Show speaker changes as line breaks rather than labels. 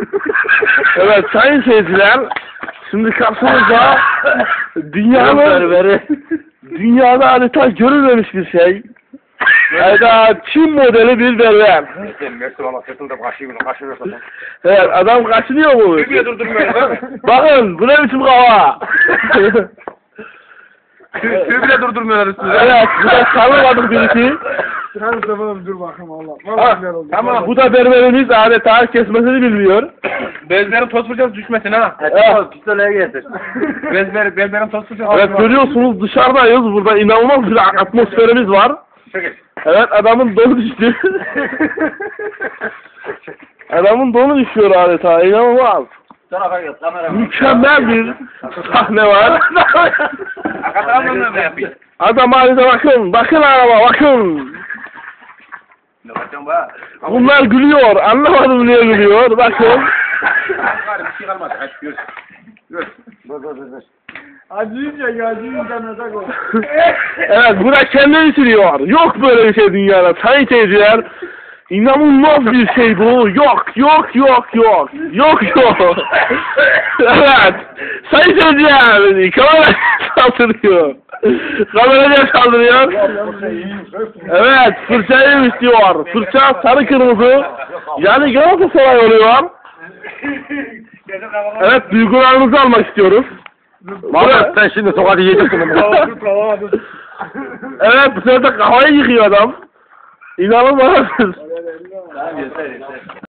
Evet sayın seyirciler, şimdi karşımızda dünyada adeta görülmemiş bir şey. Adeta Çin modeli bir berber. Evet, adam kaçınıyor mu? Bakın, bu ne biçim kafa?
Tüy bile durdurmuyorlar üstüne.
Evet, bu da tanımadık birisi.
Dur bakayım Allah.
Tamam, bu da berberimiz adeta kesmesini bilmiyor.
Bezlerin toz fırçası düşmesin ha.
Evet.
Pistoleye getir. Bezlerin toz fırçası.
Evet, görüyorsunuz dışarıdayız. Burada inanılmaz bir atmosferimiz var. Evet, adamın donu düştü. Adamın donu düşüyor adeta, inanılmaz. Mükemmel bir sahne var. Adam adeta bakın araba, bakın. Bunlar gülüyor, anlamadım niye gülüyor, bakın.
Acıyınca nazak ol.
Evet, bu da kendini sürüyor. Yok böyle bir şey dünyada, sayın seyirciler. İnanılmaz bir şey bu. Yok. Evet. Sayın seyirciler, kamera saldırıyor. Kameraya saldırıyor. Evet, fırçayı istiyor. Fırça sarı kırmızı. Yani Galatasaray oluyor. Evet, duygularınızı almak istiyoruz.
Mahmut sen şimdi tokadı yiyeceksin.
Evet, bu sefer de kafayı yıkıyor adam. İnanılmaz.